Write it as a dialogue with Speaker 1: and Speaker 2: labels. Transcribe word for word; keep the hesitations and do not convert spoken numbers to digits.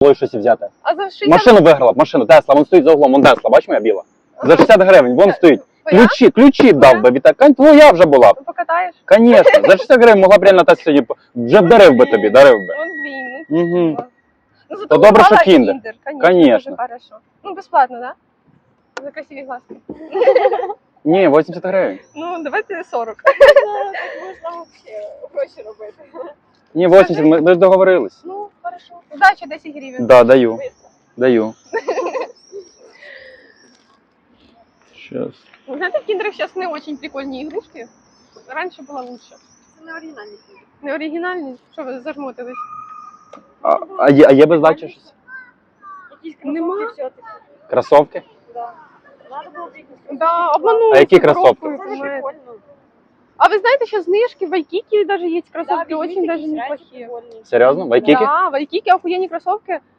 Speaker 1: було щось взяти.
Speaker 2: А за шістдесят...
Speaker 1: Машину виграла б, машину, Тесла, вон стоїть за углом, вон Тесла, бач моя біла? За шістдесят гривень, вон стоїть.
Speaker 2: Твоя?
Speaker 1: Ключі, ключі б дав би, Віталій. Кань, твоя вже була б.
Speaker 2: Покатаєш?
Speaker 1: Конечно, за шістдесят гривень могла б реально Тесла сьогодні, вже б дарив би тобі, дарив би.
Speaker 2: Ну, блін, ну,
Speaker 1: Угу.
Speaker 2: ну, зато
Speaker 1: То добре, що
Speaker 2: попала
Speaker 1: Kinder.
Speaker 2: Kinder. Конечно,
Speaker 1: Конечно.
Speaker 2: дуже хорошо. Ну, безплатно, да? За красиві глазки.
Speaker 1: Ні, вісімдесят гривень.
Speaker 2: Ну, давайте сорок.
Speaker 3: Можна взагалі гроші робити.
Speaker 1: Ні, вісімдесят, ми, ми ж договорились.
Speaker 2: Ну, хорошо. Удачі, десять гривень.
Speaker 1: Да, даю, даю. Сейчас.
Speaker 2: Вы знаете, в киндерах сейчас не очень прикольные игрушки. Раньше было лучше.
Speaker 3: Це не оригінальні.
Speaker 2: Не оригінальні? Що ви зажмотились?
Speaker 1: А, а, є, а є без здачі щось?
Speaker 3: Якісь
Speaker 2: Нема.
Speaker 3: кросовки все-таки.
Speaker 1: Кросовки?
Speaker 3: Да. Надо було б якісь кросовки.
Speaker 2: Да, обманули.
Speaker 1: А які
Speaker 2: с коробкою,
Speaker 1: кроссовки?
Speaker 3: Це ж
Speaker 2: понимаете.
Speaker 3: прикольно.
Speaker 2: А вы знаете, сейчас знижки в Айкике даже есть
Speaker 3: Да,
Speaker 2: кроссовки,
Speaker 3: візьміть
Speaker 2: очень даже
Speaker 3: якісь реально
Speaker 2: неплохие.
Speaker 3: прикольні.
Speaker 1: Серйозно? В Айкікі?
Speaker 2: Да, в Айкике охуенные кроссовки.